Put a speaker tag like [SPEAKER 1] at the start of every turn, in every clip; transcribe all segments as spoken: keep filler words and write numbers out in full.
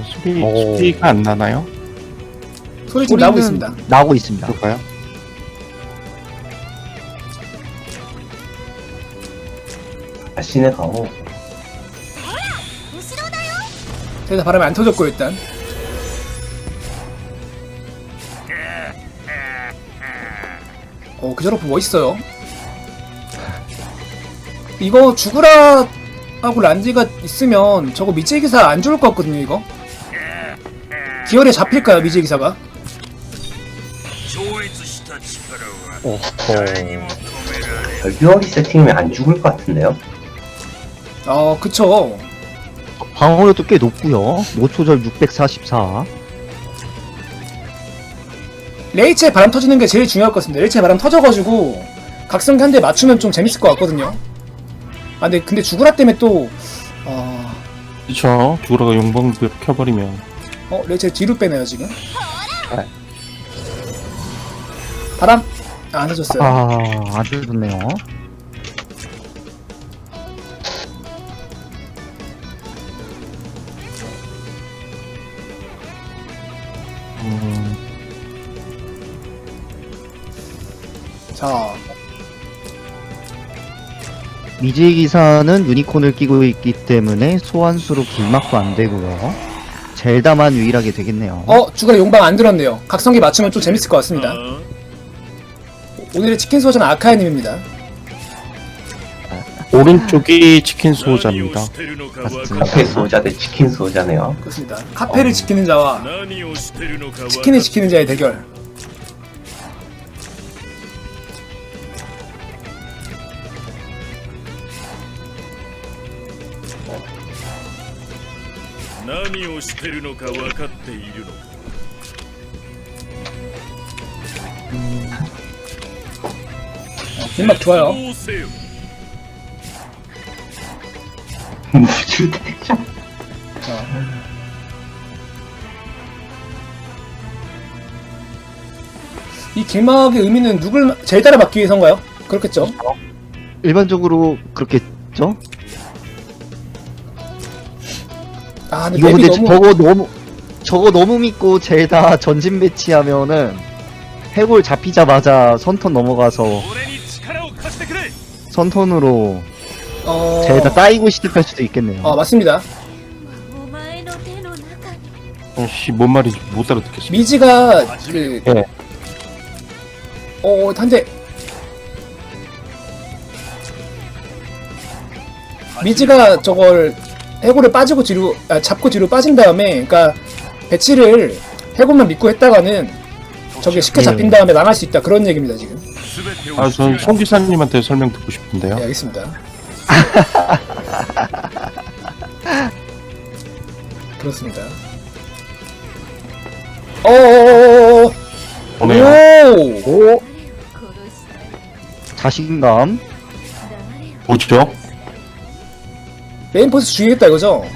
[SPEAKER 1] 소리,
[SPEAKER 2] 오.
[SPEAKER 1] 소리가 안 나나요?
[SPEAKER 3] 소리 지금 나오고 있습니다.
[SPEAKER 2] 나오고 있습니다.
[SPEAKER 1] 그럴까요?
[SPEAKER 4] 자신의 강호.
[SPEAKER 3] 그래서 바람이 안 터졌고 일단 어 그저러프 멋있어요. 이거 죽으라 하고 란디가 있으면 저거 미제 기사 안 좋을 것 같거든요. 이거 기어에 잡힐까요 미제 기사가?
[SPEAKER 2] 오호.
[SPEAKER 4] 별비어리 세팅이면 안 죽을 것 같은데요?
[SPEAKER 3] 어 그쵸.
[SPEAKER 2] 방어력도 꽤 높고요. 노초절 육백사십사.
[SPEAKER 3] 레이첼 바람 터지는 게 제일 중요할 것 같습니다. 레이첼 바람 터져가지고 각성기 한 대 맞추면 좀 재밌을 것 같거든요. 아 근데 근데 죽으라 때문에 또 어...
[SPEAKER 1] 그쵸. 죽으라가 용광 켜버리면.
[SPEAKER 3] 어 레이첼 뒤로 빼네요 지금.
[SPEAKER 1] 네.
[SPEAKER 3] 바람 아, 안 터졌어요.
[SPEAKER 2] 아, 아주 좋네요.
[SPEAKER 1] 음,
[SPEAKER 3] 자
[SPEAKER 2] 미제 기사는 유니콘을 끼고 있기 때문에 소환수로 길막도 안 되고요. 젤다만 유일하게 되겠네요.
[SPEAKER 3] 어 죽으라 용방 안 들었네요. 각성기 맞추면 좀 재밌을 것 같습니다. 오늘의 치킨 소전 아카이님입니다.
[SPEAKER 1] 오른쪽이 치킨 수호자입니다.
[SPEAKER 2] 맞습니다.
[SPEAKER 4] 카페 수호자 대 치킨 수호자네요.
[SPEAKER 3] 그렇습니다. 카페를
[SPEAKER 1] 어.
[SPEAKER 3] 지키는 자와 치킨을 지키는 자의 대결. 길막 좋아요.
[SPEAKER 4] 무줄 대장.
[SPEAKER 3] 자. 이 길막의 의미는 누굴 젤다를 막기 위해서인가요? 그렇겠죠.
[SPEAKER 2] 일반적으로 그렇겠죠?
[SPEAKER 3] 아 근데
[SPEAKER 2] 이거
[SPEAKER 3] 맵이
[SPEAKER 2] 근데
[SPEAKER 3] 너무
[SPEAKER 2] 저거 너무 저거 너무 믿고 젤다 전진 배치하면은 해골 잡히자마자 선턴 넘어가서 선턴으로
[SPEAKER 3] 어...
[SPEAKER 2] 젤다 따이고 시작할 수도 있겠네요.
[SPEAKER 3] 어 맞습니다.
[SPEAKER 1] 어씨, 뭔 말인지 못 알아듣겠습니다.
[SPEAKER 3] 미지가 그
[SPEAKER 1] 네.
[SPEAKER 3] 어 한대 미지가 저걸 해골을 빠지고 뒤로 아, 잡고 뒤로 빠진 다음에 그러니까 배치를 해골만 믿고 했다가는 저게 쉽게 잡힌 다음에 나갈 수 있다 그런 얘기입니다 지금.
[SPEAKER 1] 아, 전 송 기사님한테 설명 듣고 싶은데요.
[SPEAKER 3] 네, 알겠습니다. 그렇습니다. 어어어어어
[SPEAKER 1] 오네요.
[SPEAKER 3] 오!
[SPEAKER 2] 오 자신감.
[SPEAKER 1] 뭐죠?
[SPEAKER 3] 메인포스 죽이겠다 이거죠?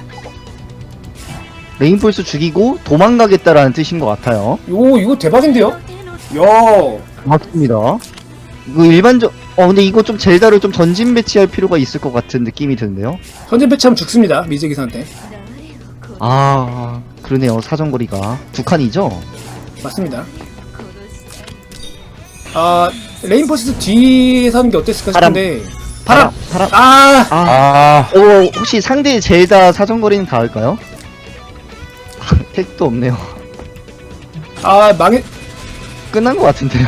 [SPEAKER 2] 레인폴스 죽이고 도망가겠다라는 뜻인 것 같아요.
[SPEAKER 3] 요 이거 대박인데요? 야
[SPEAKER 2] 맞습니다. 이거 일반적 어 근데 이거 좀 젤다를 좀 전진 배치할 필요가 있을 것 같은 느낌이 드는데요.
[SPEAKER 3] 현재 배치하면 죽습니다 미제 기사한테.
[SPEAKER 2] 아 그러네요. 사정거리가 두 칸이죠.
[SPEAKER 3] 맞습니다. 아 레인포스 뒤에서 하는 게 어땠을까 싶은데 바람!
[SPEAKER 2] 바람.
[SPEAKER 3] 아!
[SPEAKER 2] 아,
[SPEAKER 1] 아,
[SPEAKER 2] 어 혹시 상대 젤다 사정거리는 닿을까요? 택도 없네요.
[SPEAKER 3] 아 망해
[SPEAKER 2] 끝난 것 같은데요.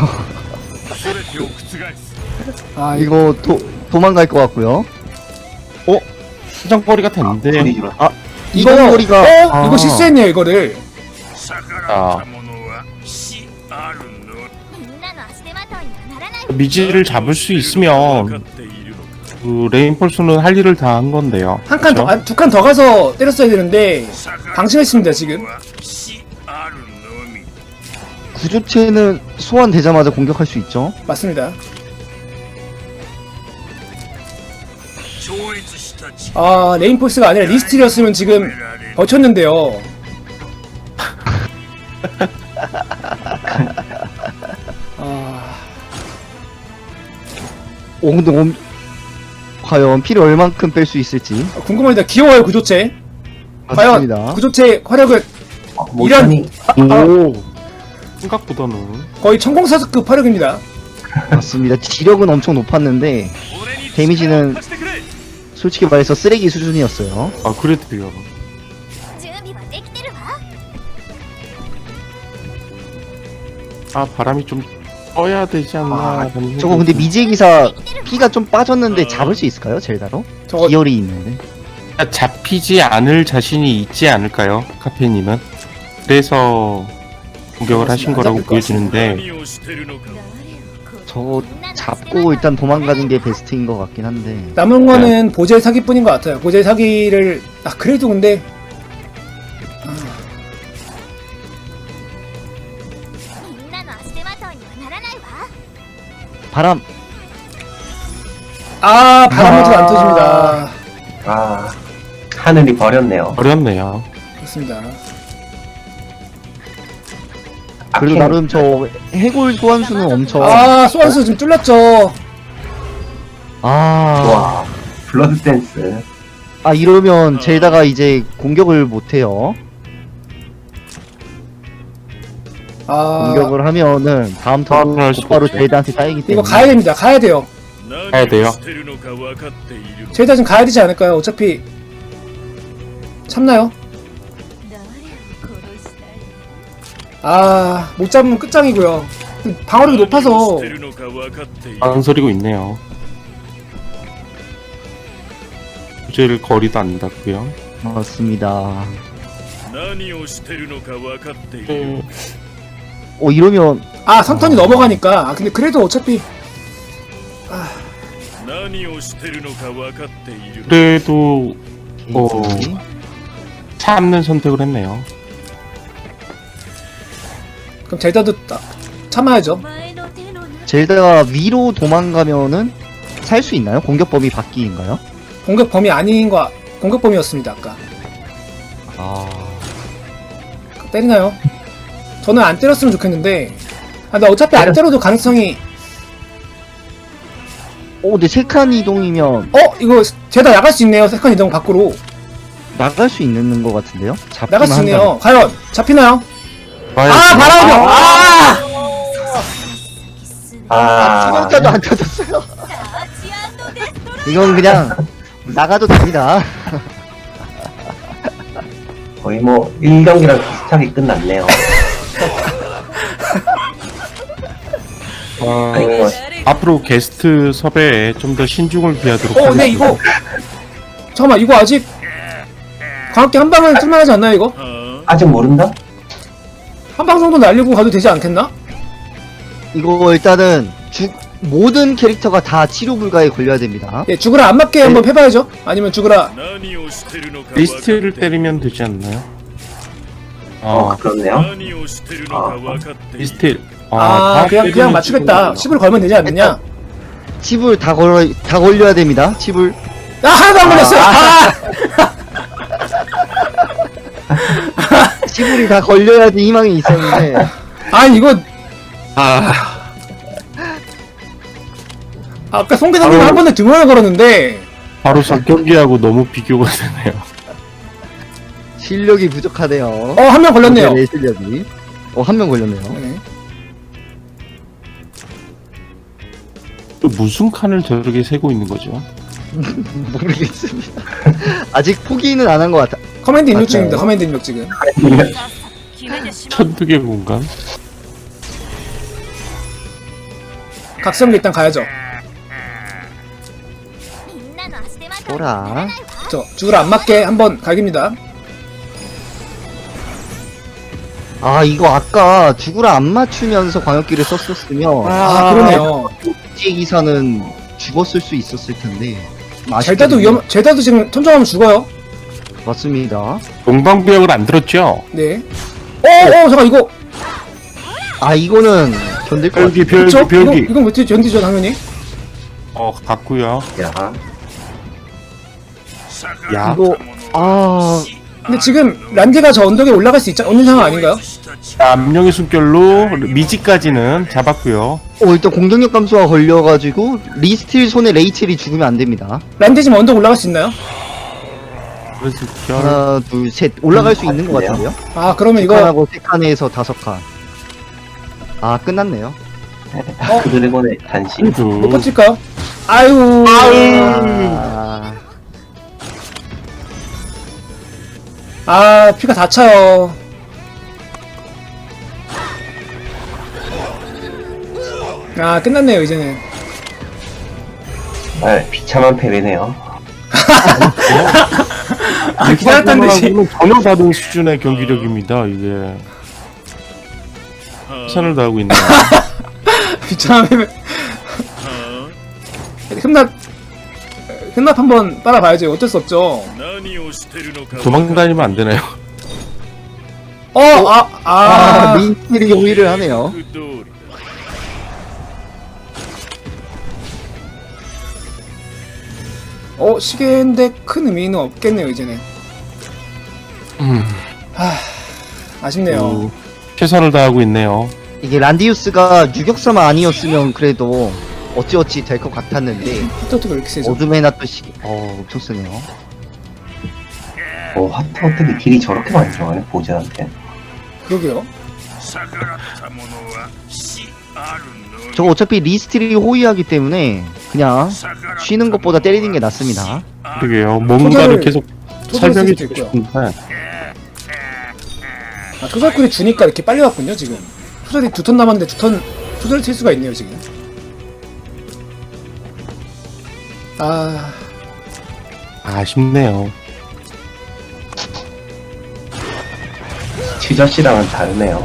[SPEAKER 3] 아 이거
[SPEAKER 2] 이거 도 도망갈 것 같고요.
[SPEAKER 1] 수정거리가 됐는데.
[SPEAKER 4] 소리 질러.
[SPEAKER 3] 이거
[SPEAKER 2] 이거거리가
[SPEAKER 3] 어?
[SPEAKER 2] 아.
[SPEAKER 3] 이거 실수했네요 이거를.
[SPEAKER 1] 아, 미지를 잡을 수 있으면 그 레인폴스는 할 일을 다 한 건데요.
[SPEAKER 3] 한 칸 더,
[SPEAKER 1] 그쵸?
[SPEAKER 3] 두 칸 더 가서 때렸어야 되는데 방심했습니다 지금.
[SPEAKER 2] 구조체는 소환되자마자 공격할 수 있죠.
[SPEAKER 3] 맞습니다. 아 레인포스가 아니라 리스트리였으면 지금 버텼는데요. 아
[SPEAKER 2] 오 근데 엄... 과연 피를 얼만큼 뺄 수 있을지.
[SPEAKER 3] 궁금합니다. 귀여워요 구조체. 과연
[SPEAKER 2] 맞습니다.
[SPEAKER 3] 구조체 화력은
[SPEAKER 4] 어, 모션이
[SPEAKER 1] 오 생각보다는
[SPEAKER 3] 거의 천공사스급 화력입니다.
[SPEAKER 2] 맞습니다. 지력은 엄청 높았는데 데미지는 솔직히 말해서 쓰레기 수준이었어요.
[SPEAKER 1] 아 그래도요.
[SPEAKER 5] 準備はできてるわ
[SPEAKER 1] 아 바람이 좀 떠야 되지 않나.
[SPEAKER 2] 아,
[SPEAKER 1] 라는
[SPEAKER 2] 저거 근데 미지의 기사 피가 좀 빠졌는데 잡을 수 있을까요? 젤다로?
[SPEAKER 3] 저거
[SPEAKER 2] 기열이 있는데.
[SPEAKER 1] 생각이- 잡히지 않을 자신이 있지 않을까요, 카페님은? 그래서 공격을 하신 거라고
[SPEAKER 3] 안 잡힐 것
[SPEAKER 1] 보여지는데
[SPEAKER 6] 何をしてるのか
[SPEAKER 2] 저거 잡고 일단 도망가는 게 베스트인 것 같긴 한데.
[SPEAKER 3] 남은 거는 보젤 사기뿐인 것 같아요. 보젤 사기를 아 그래도 근데
[SPEAKER 5] みんなの足手まといにはならないわ
[SPEAKER 2] 바람.
[SPEAKER 3] 아 바람모트가 안 터집니다.
[SPEAKER 4] 아 하늘이 버렸네요.
[SPEAKER 1] 어렵네요.
[SPEAKER 3] 그렇습니다.
[SPEAKER 2] 그래도
[SPEAKER 4] 아켄-
[SPEAKER 2] 나름 저 해골 소환수는 엄청.
[SPEAKER 3] 아 소환수 지금 뚫렸죠.
[SPEAKER 2] 아.
[SPEAKER 4] 와 블러드 댄스.
[SPEAKER 2] 아 이러면 젤다가 이제 공격을 못해요.
[SPEAKER 3] 아
[SPEAKER 2] 공격을 하면은 다음 턴
[SPEAKER 1] 아, 할 수가
[SPEAKER 2] 곧바로
[SPEAKER 1] 없죠.
[SPEAKER 2] 젤다한테 따이기 때문에.
[SPEAKER 3] 이거 가야 됩니다. 가야 돼요.
[SPEAKER 1] ガヤだよ
[SPEAKER 6] 何をしてるのか分かっているのか
[SPEAKER 3] 제이다 지금 가야 되지 않을까요? 어차피 참나요?
[SPEAKER 5] 誰を殺したい
[SPEAKER 3] 아 못 잡으면 끝장이고요. 방어력이
[SPEAKER 6] 何を
[SPEAKER 3] 높아서
[SPEAKER 6] してるのか分かっている
[SPEAKER 1] 망설이고 있네요. 주제를 거리도 안 닿고요.
[SPEAKER 2] 맞습니다.
[SPEAKER 6] 何をしてるのか分かっている
[SPEAKER 1] 네,
[SPEAKER 2] 어 이러면
[SPEAKER 3] 아 삼턴이 넘어가니까 아 근데 그래도 어차피
[SPEAKER 6] 何をしてるのか分かっている
[SPEAKER 1] 그래도 어.
[SPEAKER 2] 게이지.
[SPEAKER 1] 참는 선택을 했네요.
[SPEAKER 3] 그럼 제이다도 따- 참아야죠.
[SPEAKER 5] 前の手の中
[SPEAKER 2] 젤다가 위로 도망가면은 살 수 있나요? 공격 범위 바뀌인가요?
[SPEAKER 3] 공격 범위 아닌 거 공격 범위였습니다 아까.
[SPEAKER 2] 아.
[SPEAKER 3] 때리나요? 저는 안 때렸으면 좋겠는데 아 근데 어차피 안 때려도 가능성이
[SPEAKER 2] 어 근데 세 칸 이동이면
[SPEAKER 3] 어 이거 제다 나갈 수 있네요. 세컨 이동 밖으로
[SPEAKER 2] 나갈 수 있는 것 같은데요? 잡기만
[SPEAKER 3] 나갈 수
[SPEAKER 2] 한다면.
[SPEAKER 3] 있네요. 과연 잡히나요?
[SPEAKER 1] 과연
[SPEAKER 3] 아 바람이요. 아
[SPEAKER 5] す
[SPEAKER 2] 아,
[SPEAKER 4] 아
[SPEAKER 2] 수명자도 안 터졌어요.
[SPEAKER 5] サーチデストロイ
[SPEAKER 2] 이건 그냥 나가도 됩니다.
[SPEAKER 4] 거의 뭐 일 경기랑 비슷하게 끝났네요.
[SPEAKER 1] 아,
[SPEAKER 4] 아니 뭐
[SPEAKER 1] 앞으로 게스트 섭외에 좀 더 신중을 기하도록
[SPEAKER 3] 어 근데 이거 잠깐만 이거 아직 광학기 한 방은 쓸만하지 않나요 이거?
[SPEAKER 6] は
[SPEAKER 4] 아직 모른다?
[SPEAKER 3] 한 방 정도 날리고 가도 되지 않겠나?
[SPEAKER 2] 이거 일단은 죽 모든 캐릭터가 다 치료 불가에 걸려야 됩니다.
[SPEAKER 3] 예 죽으라 안 맞게 한번 해봐야죠. 아니면 죽으라
[SPEAKER 6] あ何をしてるのか分かってい
[SPEAKER 1] 리스트를
[SPEAKER 6] る
[SPEAKER 1] 때리면 되지 않나요?
[SPEAKER 4] 어
[SPEAKER 1] 어,
[SPEAKER 4] 그렇네요.
[SPEAKER 6] 何をしてるのか分かっている
[SPEAKER 1] 리스트
[SPEAKER 3] 아,
[SPEAKER 1] 다
[SPEAKER 3] 그냥
[SPEAKER 1] 때리는
[SPEAKER 3] 그냥 맞추겠다.
[SPEAKER 1] 식으로.
[SPEAKER 3] 칩을 걸면 되지 않느냐?
[SPEAKER 2] 칩을 다 걸어 다 걸려야 됩니다. 칩을.
[SPEAKER 3] 아 하나도 안 걸렸어요. 아!
[SPEAKER 2] 칩을이 다 걸려야지 희망이 있었는데.
[SPEAKER 3] 아니 이거
[SPEAKER 1] 아,
[SPEAKER 3] 아까 송 기사님
[SPEAKER 1] 아유.
[SPEAKER 3] 한 번에 두 번을 걸었는데
[SPEAKER 1] 바로 석경기하고 너무 비교가 되네요.
[SPEAKER 2] 실력이 부족하네요.
[SPEAKER 3] 어 한 명 걸렸네요.
[SPEAKER 2] 내 실력이. 어 한 명 걸렸네요.
[SPEAKER 3] 네.
[SPEAKER 1] 또 무슨 칸을 저렇게 세고 있는 거죠?
[SPEAKER 2] 모르겠습니다. 아직 포기는 안 한 것 같아.
[SPEAKER 3] 커맨드 입력
[SPEAKER 2] 맞아요.
[SPEAKER 3] 중입니다. 커맨드 입력 지금.
[SPEAKER 5] 決めてしまう
[SPEAKER 1] 천두개 공간?
[SPEAKER 3] 각성기 일단 가야죠.
[SPEAKER 5] みんなの足手まといにはならないわ
[SPEAKER 3] 저 죽으라 안 맞게 한번 갈깁니다.
[SPEAKER 2] 아 이거 아까 죽으라 안 맞추면서 광역기를 썼었으면
[SPEAKER 3] 아 그러네요.
[SPEAKER 2] 이 기사는 죽었을 수 있었을 텐데.
[SPEAKER 3] 젤다도 위험 젤다도 지금 턴정하면 죽어요.
[SPEAKER 2] 맞습니다.
[SPEAKER 1] 용방구역을 안 들었죠?
[SPEAKER 3] 네. 어어 잠깐 이거
[SPEAKER 2] 아 이거는 견딜 것
[SPEAKER 1] 별기,
[SPEAKER 2] 같아요.
[SPEAKER 1] 별기,
[SPEAKER 3] 그쵸? 이건,
[SPEAKER 1] 별기.
[SPEAKER 3] 이건 왜 견디죠 당연히.
[SPEAKER 1] 어, 갔구요.
[SPEAKER 4] 야
[SPEAKER 1] 야,
[SPEAKER 2] 이거 아
[SPEAKER 3] 근데 지금 란디가 저 언덕에 올라갈 수 있자 없는 상황 아닌가요?
[SPEAKER 1] 암령의 숨결로 미지까지는 잡았고요.
[SPEAKER 2] 어, 일단 공격력 감소가 걸려가지고 리스틸 손에 레이첼이 죽으면 안 됩니다.
[SPEAKER 3] 란디 지금 언덕 올라갈 수 있나요?
[SPEAKER 1] 그래서 결
[SPEAKER 2] 하나, 둘, 셋 올라갈 수 있는 것 같은데요?
[SPEAKER 3] 아 그러면
[SPEAKER 2] 두
[SPEAKER 3] 이거
[SPEAKER 2] 칸하고 세 칸에서 다섯 칸. 아 끝났네요.
[SPEAKER 3] 어?
[SPEAKER 4] 그 드래곤의 단신.
[SPEAKER 3] 못
[SPEAKER 1] 두
[SPEAKER 3] 버틸까요? 아유
[SPEAKER 2] 아,
[SPEAKER 3] 아 피가 다 차요. 아 끝났네요 이제는.
[SPEAKER 4] 아, 비참한 패배네요.
[SPEAKER 3] 아 기다렸던 듯이.
[SPEAKER 1] 하고는 전혀 다른 수준의 경기력입니다. 이게 최선을 다하고 있네요.
[SPEAKER 3] 비참하면
[SPEAKER 6] 아
[SPEAKER 3] 흠납 흠납 한번 빨아봐야죠. 어쩔 수 없죠.
[SPEAKER 6] 何をしてるのか
[SPEAKER 1] 도망다니면 안 되나요?
[SPEAKER 3] 어, 아,
[SPEAKER 2] 아,
[SPEAKER 3] 아,
[SPEAKER 2] 민들이 용의를 하네요.
[SPEAKER 6] 通りだ
[SPEAKER 3] 어, 시계인데 큰 의미는 없겠네요, 이제는.
[SPEAKER 1] 음,
[SPEAKER 3] 하, 아쉽네요.
[SPEAKER 1] 음, 최선을 다하고 있네요.
[SPEAKER 2] 이게 란디우스가 유격사만 아니었으면 그래도 어찌어찌 될 것 같았는데
[SPEAKER 3] 히토트가 이렇게 세죠.
[SPEAKER 2] 어둠의 낫도 시... 어 엄청 쓰네요.
[SPEAKER 4] 어, 하트 어떻게 딜이 저렇게 많이 들어가네, 보즈한테.
[SPEAKER 3] 그러게요.
[SPEAKER 6] 逆らった者は死あるの
[SPEAKER 2] 저거 어차피 리스틸이 호위하기 때문에 그냥 쉬는 것보다 때리는 게 낫습니다.
[SPEAKER 1] 그러게요. 뭔가를
[SPEAKER 3] 토사를-
[SPEAKER 1] 계속
[SPEAKER 3] 토사를 쓸
[SPEAKER 1] 설명해
[SPEAKER 3] 수도
[SPEAKER 1] 주고
[SPEAKER 3] 있고요.
[SPEAKER 1] 싶은데
[SPEAKER 3] 아, 토살쿨이 주니까 이렇게 빨리 왔군요, 지금. 토살이 두 턴 남았는데 두 턴, 토살을 칠 수가 있네요, 지금. 아,
[SPEAKER 1] 아쉽네요.
[SPEAKER 4] 지저씨랑은 다르네요.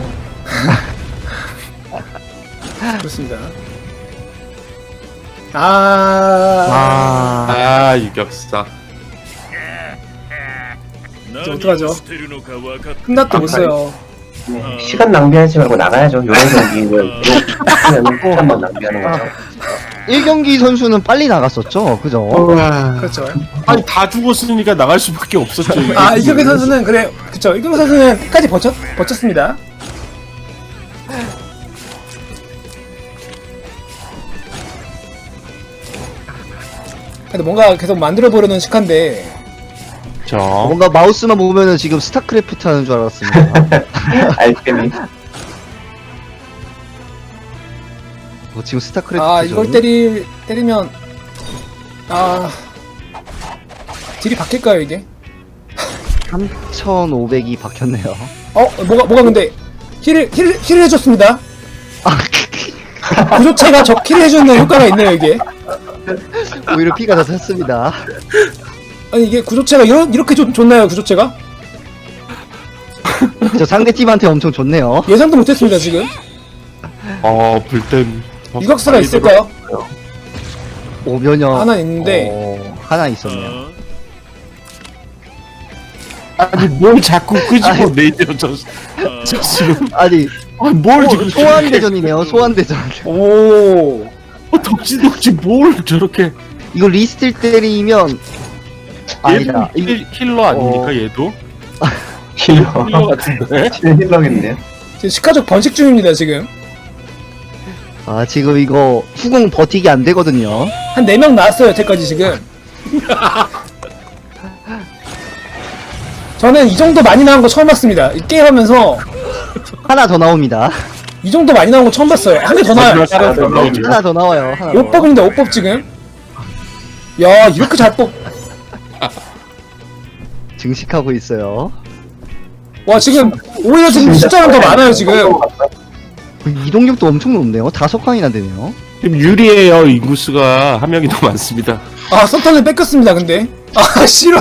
[SPEAKER 3] 그렇습니다. 아,
[SPEAKER 2] 아,
[SPEAKER 1] 아 유격사.
[SPEAKER 6] 何
[SPEAKER 3] 어떡하죠?
[SPEAKER 6] をしてるのか分かって
[SPEAKER 3] 흠납도 못 써요.
[SPEAKER 4] 시간 낭비하지 말고 나가야죠. 요런 경기는 하면 한번 낭비하는 거죠.
[SPEAKER 2] 일 경기 선수는 빨리 나갔었죠, 그죠?
[SPEAKER 3] 그렇죠.
[SPEAKER 1] 아니 다 죽었으니까 나갈 수밖에 없었죠. 이게.
[SPEAKER 3] 아, 이경기 선수는, 그래, 그쵸. 이경기 선수는 끝까지 버텼, 버텼습니다. 근데 뭔가 계속 만들어보려는 식한데,
[SPEAKER 1] 저
[SPEAKER 2] 뭔가 마우스만 보면은 지금 스타크래프트 하는 줄 알았습니다.
[SPEAKER 4] 알케미.
[SPEAKER 2] 어, 지금 스타크래프트.
[SPEAKER 3] 아, 이걸 때리, 때리면, 아, 딜이 바뀔까요, 이게?
[SPEAKER 2] 삼천오백이 박혔네요.
[SPEAKER 3] 어, 뭐가, 뭐가 근데, 힐을, 힐, 힐을 해줬습니다.
[SPEAKER 2] 아,
[SPEAKER 3] 구조체가 저 힐을 해주는 효과가 있네요, 이게.
[SPEAKER 2] 오히려 피가 더 샜습니다.
[SPEAKER 3] 아니, 이게 구조체가 이런, 이렇게 좋, 좋나요, 구조체가?
[SPEAKER 2] 저 상대팀한테 엄청 좋네요.
[SPEAKER 3] 예상도 못했습니다, 지금.
[SPEAKER 1] 어 불댐
[SPEAKER 3] 유격수가 있을까요?
[SPEAKER 2] 오면역
[SPEAKER 3] 하나 있는데.
[SPEAKER 2] 어, 하나 있었네요.
[SPEAKER 6] あ
[SPEAKER 1] 아니 뭘 자꾸 끄집어
[SPEAKER 2] 아니.
[SPEAKER 1] 내죠 저, 저 지금
[SPEAKER 2] 아니,
[SPEAKER 1] 아니 뭘
[SPEAKER 2] 어,
[SPEAKER 1] 지금
[SPEAKER 2] 소환대전이네요, 소환대전.
[SPEAKER 3] 오.
[SPEAKER 1] 어, 덕지덕지 뭘 저렇게
[SPEAKER 2] 이거 리스틸 때리면 아니다.
[SPEAKER 1] 얘도
[SPEAKER 2] 이거
[SPEAKER 1] 힐, 힐러 아닙니까
[SPEAKER 2] 어.
[SPEAKER 1] 얘도?
[SPEAKER 4] 힐러.
[SPEAKER 1] 힐러 같은데?
[SPEAKER 4] 힐러겠네요.
[SPEAKER 3] 지금 시카족 번식 중입니다, 지금.
[SPEAKER 2] 아 지금 이거 후공 버티기 안 되거든요.
[SPEAKER 3] 한 네 명 나왔어요, 여태까지 지금. 저는 이 정도 많이 나온 거 처음 봤습니다. 이 게임 하면서
[SPEAKER 2] 하나 더 나옵니다.
[SPEAKER 3] 이 정도 많이 나온 거 처음 봤어요. 한 개 더 나와요.
[SPEAKER 1] 마지막 사람 나오죠.
[SPEAKER 2] 하나 더 나와요. 하나 더.
[SPEAKER 3] 오 법입니다, 오 법 지금. 야, 이렇게 잘 뽑.
[SPEAKER 2] 증식하고 있어요.
[SPEAKER 3] 와, 지금 오히려 지금 숫자는 더 많아요, 지금.
[SPEAKER 2] 이동력도 엄청 높네요. 다섯 칸이나 되네요.
[SPEAKER 1] 지금 유리해요. 인구수가 한 명이 더 많습니다.
[SPEAKER 3] 아, 썸턴을 뺏겼습니다, 근데. 아, 싫어.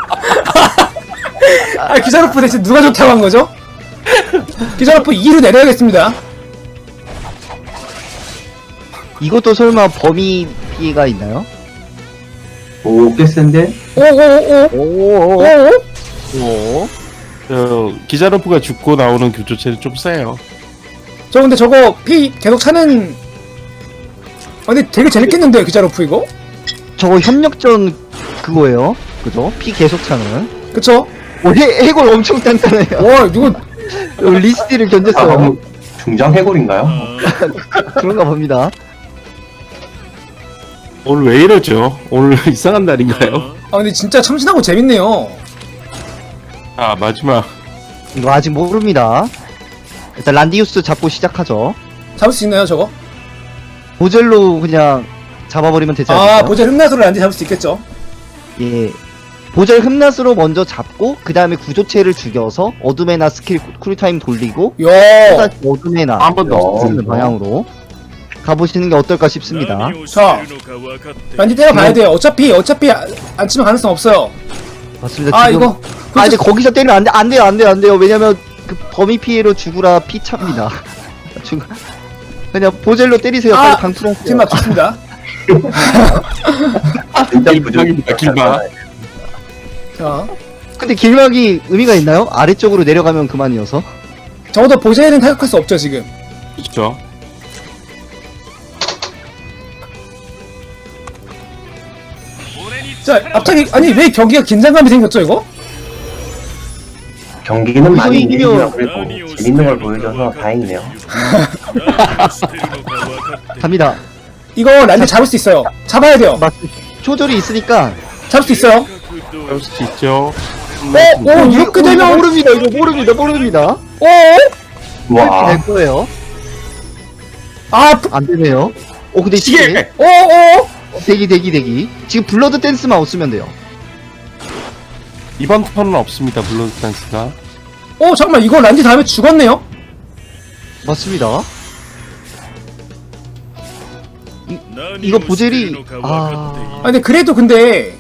[SPEAKER 3] 아, 기자로프 대체 누가 좋다고 한 거죠? 기자로프 이로 내려야겠습니다.
[SPEAKER 2] 이것도 설마 범위 피해가 있나요?
[SPEAKER 4] 오, 꽤 센데?
[SPEAKER 3] 오오오오.
[SPEAKER 2] 오오오.
[SPEAKER 3] 오.
[SPEAKER 2] 오.
[SPEAKER 1] 저 기자로프가 죽고 나오는 교조체는 좀 세요.
[SPEAKER 3] 저 근데 저거 피 계속 차는. 아, 근데 되게 재밌겠는데요, 기자로프 이거?
[SPEAKER 2] 저거 협력전 그거예요. 그죠? 피 계속 차는.
[SPEAKER 3] 그쵸?
[SPEAKER 2] 오, 해, 해골 엄청 단단해요.
[SPEAKER 3] 와, 이거
[SPEAKER 2] 리스티를
[SPEAKER 4] 아,
[SPEAKER 2] 견뎠어요.
[SPEAKER 4] 너무 중장 해골인가요?
[SPEAKER 2] 그런가 봅니다.
[SPEAKER 1] 오늘 왜 이러죠? 오늘 이상한 날인가요?
[SPEAKER 3] 아 근데 진짜 참신하고 재밌네요.
[SPEAKER 1] 아 마지막
[SPEAKER 2] 이거 아직 모릅니다. 일단 란디우스 잡고 시작하죠.
[SPEAKER 3] 잡을 수 있나요 저거?
[SPEAKER 2] 보젤로 그냥 잡아버리면 되지
[SPEAKER 3] 아
[SPEAKER 2] 않을까요?
[SPEAKER 3] 보젤 흠나소를 란디 잡을 수 있겠죠.
[SPEAKER 2] 예. 보젤 흠낫으로 먼저 잡고 그 다음에 구조체를 죽여서 어둠의 나 스킬 쿨타임 돌리고
[SPEAKER 3] 야
[SPEAKER 2] 또다시 어둠의 나
[SPEAKER 1] 한 번 더.
[SPEAKER 2] 쓰는 방향으로 가보시는 게 어떨까 싶습니다.
[SPEAKER 3] 자, 란디 때려봐야 돼요. 어차피 어차피 안, 안 치면 가능성 없어요.
[SPEAKER 2] 맞습니다.
[SPEAKER 3] 아
[SPEAKER 2] 지금
[SPEAKER 3] 이거
[SPEAKER 2] 아 이제 거기서 때리면 안 돼, 안 돼요, 안 돼요, 안 돼요. 왜냐면 그 범위 피해로 죽으라 피차입니다. 죽 그냥 보젤로 때리세요.
[SPEAKER 3] 아,
[SPEAKER 2] 빨리 강투하세요.
[SPEAKER 3] 팀막 좋습니다.
[SPEAKER 4] 진짜
[SPEAKER 1] 길막입니다, 길막.
[SPEAKER 3] 자,
[SPEAKER 2] 근데 길막이 의미가 있나요? 아래쪽으로 내려가면 그만이어서.
[SPEAKER 3] 적어도 보젤은 타격할 수 없죠 지금.
[SPEAKER 1] 그렇죠.
[SPEAKER 3] 자, 갑자기 아니 왜 경기가 긴장감이 생겼죠 이거?
[SPEAKER 4] 경기는 많이
[SPEAKER 2] 이기면-
[SPEAKER 4] 이기지만 그래도 재밌는 걸 보여줘서 다행이네요.
[SPEAKER 2] 갑니다.
[SPEAKER 3] 이거 란디 잡을 수 있어요. 잡아야 돼요.
[SPEAKER 2] 맞 조절이 있으니까.
[SPEAKER 3] 잡을 수 있어요.
[SPEAKER 1] 그럴 수 있죠.
[SPEAKER 3] 어, 오 이렇게
[SPEAKER 2] 이거
[SPEAKER 3] 되면
[SPEAKER 2] 모릅니다. 이거 모릅니다. 모릅니다.
[SPEAKER 3] 오,
[SPEAKER 2] 이렇게
[SPEAKER 4] 와,
[SPEAKER 2] 될 거예요.
[SPEAKER 3] 아, 푸-
[SPEAKER 2] 안 되네요. 오 근데
[SPEAKER 1] 시계!
[SPEAKER 2] 시계
[SPEAKER 3] 오, 오,
[SPEAKER 2] 대기 대기 대기. 지금 블러드 댄스만 없으면 돼요.
[SPEAKER 1] 이번 턴은 없습니다. 블러드 댄스가.
[SPEAKER 3] 오, 잠깐만 이거 란디 다음에 죽었네요.
[SPEAKER 2] 맞습니다. 이거 보젤이 아
[SPEAKER 3] 아 근데 그래도 근데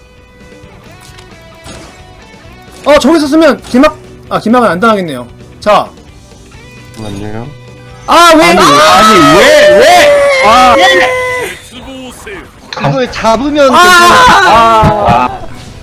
[SPEAKER 3] 어 저기서 쓰면 길막 아 길막은 안 당하겠네요. 자,
[SPEAKER 1] 잠깐만요.
[SPEAKER 3] 아 왜?
[SPEAKER 1] 아니,
[SPEAKER 3] 아,
[SPEAKER 1] 아니 왜 왜? 아,
[SPEAKER 2] 이걸 잡으면
[SPEAKER 3] 아,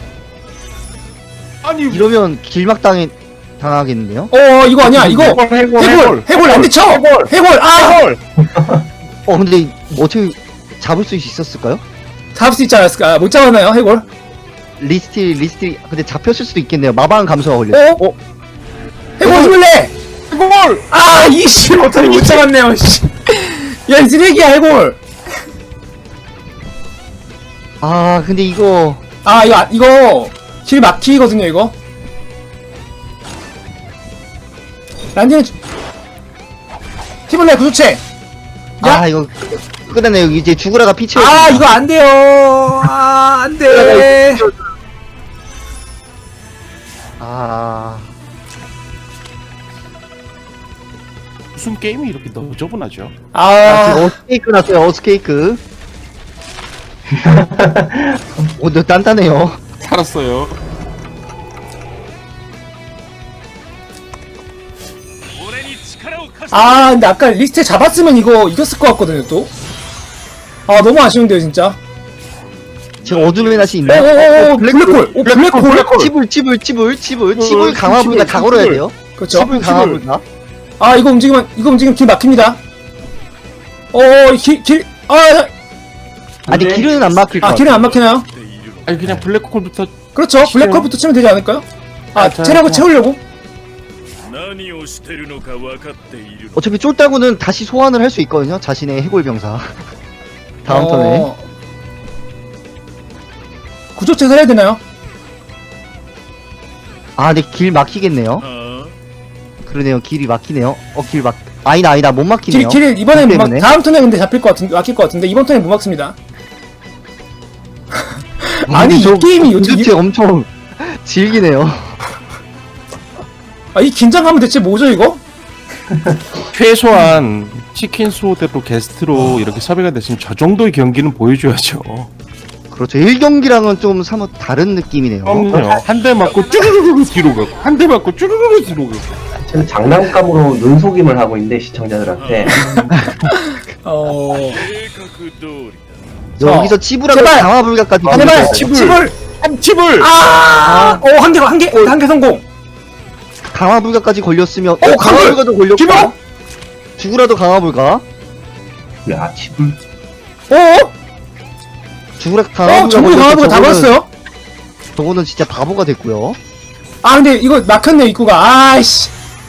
[SPEAKER 1] 아니
[SPEAKER 2] 이러면 길막 당해 당하겠는데요?
[SPEAKER 3] 어 이거 아니야 이거
[SPEAKER 1] 해골 해골
[SPEAKER 3] 해골 해골 란디 쳐 해골 아
[SPEAKER 2] 어 근데 어떻게 잡을 수 있었을까요?
[SPEAKER 3] 잡을 수 있지 않았을까? 못 잡았나요 해골?
[SPEAKER 2] 리스틸 리스틸 근데 잡혔을 수도 있겠네요. 마방 감소가 걸렸어.
[SPEAKER 3] 어? 해골 힘을 내!
[SPEAKER 1] 해골.
[SPEAKER 3] 아 이씨 어떻게 못 잡았네요. 씨. 야 이 쓰레기야 해골.
[SPEAKER 2] 아 근데 이거
[SPEAKER 3] 아 이거 아- 이거 길 막히거든요 이거. 란디는 힘을 내 구조체. 야!
[SPEAKER 2] 아 이거 끝났네요. 이제 죽으라가 피치.
[SPEAKER 3] 아 이거 안 돼요. 아 안돼.
[SPEAKER 2] 아
[SPEAKER 1] 무슨 게임이 이렇게 너저분하죠?
[SPEAKER 2] 아,
[SPEAKER 3] 아
[SPEAKER 2] 지금 어스케이크 났어요. 어스케이크. 오, 너 단단해요.
[SPEAKER 1] 살았어요.
[SPEAKER 3] 아 근데 아까 리스트 잡았으면 이거 이겼을 것 같거든요 또. 아 너무 아쉬운데요 진짜.
[SPEAKER 2] 지금 어둠의 낫이 있나요?
[SPEAKER 3] 오오오 블랙홀. 오 블랙홀.
[SPEAKER 2] 치불 치불 치불 치불 치불 강화불가 다 걸어야 돼요.
[SPEAKER 3] 그렇죠.
[SPEAKER 2] 치불 강화불가.
[SPEAKER 3] 아 이거 움직이면 이거 움직이면 길 막힙니다. 어길길 아,
[SPEAKER 2] 아니
[SPEAKER 4] 네.
[SPEAKER 2] 길은 안 막힐 것
[SPEAKER 3] 아
[SPEAKER 2] 같아.
[SPEAKER 3] 길은 안 막히나요?
[SPEAKER 1] 아니 그냥 블랙홀부터
[SPEAKER 3] 그렇죠. 블랙홀부터 치면 되지 않을까요? 아
[SPEAKER 1] 아, 자,
[SPEAKER 3] 체력을
[SPEAKER 1] 자.
[SPEAKER 3] 채우려고.
[SPEAKER 2] 어차피 쫄따구는 다시 소환을 할 수 있거든요. 자신의 해골 병사. 다음 턴에.
[SPEAKER 3] 어... 구조체 살해야 되나요?
[SPEAKER 2] 아, 근데 길 막히겠네요. 그러네요. 길이 막히네요. 어, 길 막. 아니다, 아니다. 못
[SPEAKER 3] 길,
[SPEAKER 2] 막히네요.
[SPEAKER 3] 길 이번에 못 막,
[SPEAKER 2] 때문에.
[SPEAKER 3] 다음 턴에 근데 잡힐 것 같은데 막힐 것 같은데 이번 턴에 못 막습니다. 아니, 이
[SPEAKER 2] 저
[SPEAKER 3] 게임이 어떻게
[SPEAKER 2] 도대체 엄청 질기네요.
[SPEAKER 3] 아 이 긴장감은 대체 뭐죠 이거?
[SPEAKER 1] 최소한 치킨 수호대로 게스트로 이렇게 섭외가 됐으면 저 정도의 경기는 보여줘야죠.
[SPEAKER 2] 그렇죠. 일 경기랑은 좀 사뭇 다른 느낌이네요.
[SPEAKER 1] 그럼요. 한 대 맞고 쭈르르르 뒤로 가고 한 대 맞고 쭈르르르 뒤로 가고.
[SPEAKER 4] 지금 장난감으로 눈속임을 하고 있는데 시청자들한테
[SPEAKER 3] 어
[SPEAKER 2] 여기서 치부라고
[SPEAKER 3] 제발!
[SPEAKER 2] 강화불가까지
[SPEAKER 3] 제발
[SPEAKER 2] 걸렸어요.
[SPEAKER 3] 칩을
[SPEAKER 1] 칩을.
[SPEAKER 3] 아, 어, 한 개, 한 개, 한 개 성공.
[SPEAKER 2] 강화불가까지 걸렸으면 어,
[SPEAKER 3] 강화-
[SPEAKER 2] 강화불가도 걸렸고
[SPEAKER 3] 기모?
[SPEAKER 2] 죽으라도 강화불가
[SPEAKER 4] 야 칩을
[SPEAKER 3] 어?
[SPEAKER 2] 죽으라
[SPEAKER 3] 어,
[SPEAKER 2] 강화불가
[SPEAKER 3] 전부 강화부가 다
[SPEAKER 2] 저거는-
[SPEAKER 3] 걸었어요?
[SPEAKER 2] 저거는 진짜 바보가 됐고요.
[SPEAKER 3] 아, 근데 이거 막혔네, 입구가. 아이씨.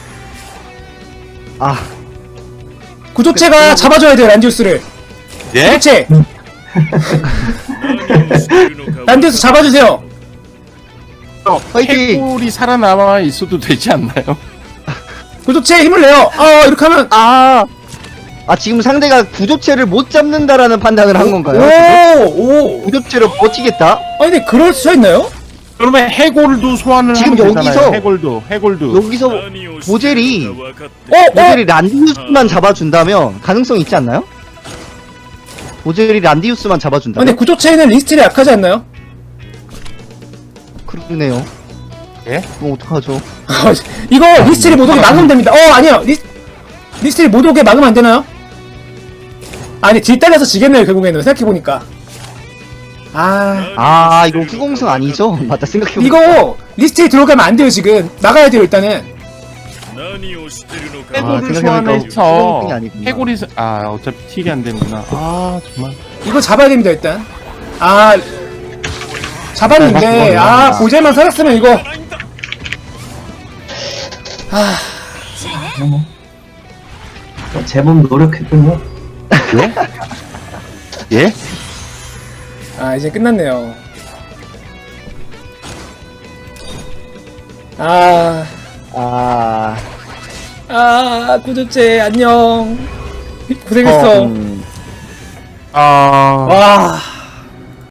[SPEAKER 2] 아
[SPEAKER 3] 구조체가 잡아줘야 돼요, 란디우스를.
[SPEAKER 1] 예?
[SPEAKER 3] 구조체. 란디우스 잡아주세요.
[SPEAKER 2] 화이팅!
[SPEAKER 1] 해골이 살아남아 있어도 되지 않나요?
[SPEAKER 3] 구조체에 힘을 내요. 아 이렇게 하면
[SPEAKER 2] 아, 아 지금 상대가 구조체를 못 잡는다라는 판단을 한 건가요?
[SPEAKER 3] 오오
[SPEAKER 2] 구조체로 버티겠다?
[SPEAKER 3] 아니 근데 그럴 수가 있나요?
[SPEAKER 1] 그러면 해골도 소환을
[SPEAKER 2] 지금
[SPEAKER 1] 하면
[SPEAKER 2] 여기서-
[SPEAKER 1] 되잖아요. 해골도 해골도
[SPEAKER 2] 여기서 보젤이
[SPEAKER 3] 어?
[SPEAKER 2] 보젤이 란디우스만 잡아준다면 가능성이 있지 않나요? 보젤이 란디우스만
[SPEAKER 3] 아니
[SPEAKER 2] 잡아준다면?
[SPEAKER 3] 근데 구조체에는 리스트리 약하지 않나요?
[SPEAKER 2] 그러네요.
[SPEAKER 1] 예?
[SPEAKER 2] 그럼 어떡하죠?
[SPEAKER 3] 이거 리스트리 못 오게 막으면 됩니다. 어 아니요 리, 리스트리 못 오게 막으면 안 되나요? 아니 딜 딸려서 지겠네요 결국에는 생각해보니까. 아
[SPEAKER 2] 아 이거 후공승 아니죠? 맞다 생각해보니까
[SPEAKER 3] 이거 리스트리 들어가면 안 돼요 지금. 나가야 돼요 일단은.
[SPEAKER 2] 아,
[SPEAKER 1] 해골을
[SPEAKER 2] 생각해보니까
[SPEAKER 1] 소환해서
[SPEAKER 2] 후공승이 아니구나.
[SPEAKER 1] 해골이 사- 아 어차피 딜이 안 되는구나. 아 정말.
[SPEAKER 3] 이거 잡아야 됩니다 일단. 아 잡았는데 아 보젤만 살았으면 이거 아
[SPEAKER 4] 제법 노력했군요.
[SPEAKER 1] 예? 예?
[SPEAKER 3] 아 이제 끝났네요. 아,
[SPEAKER 2] 아...
[SPEAKER 3] 아 구조체 안녕. 고생했어.
[SPEAKER 2] 어, 음,
[SPEAKER 1] 아
[SPEAKER 3] 와.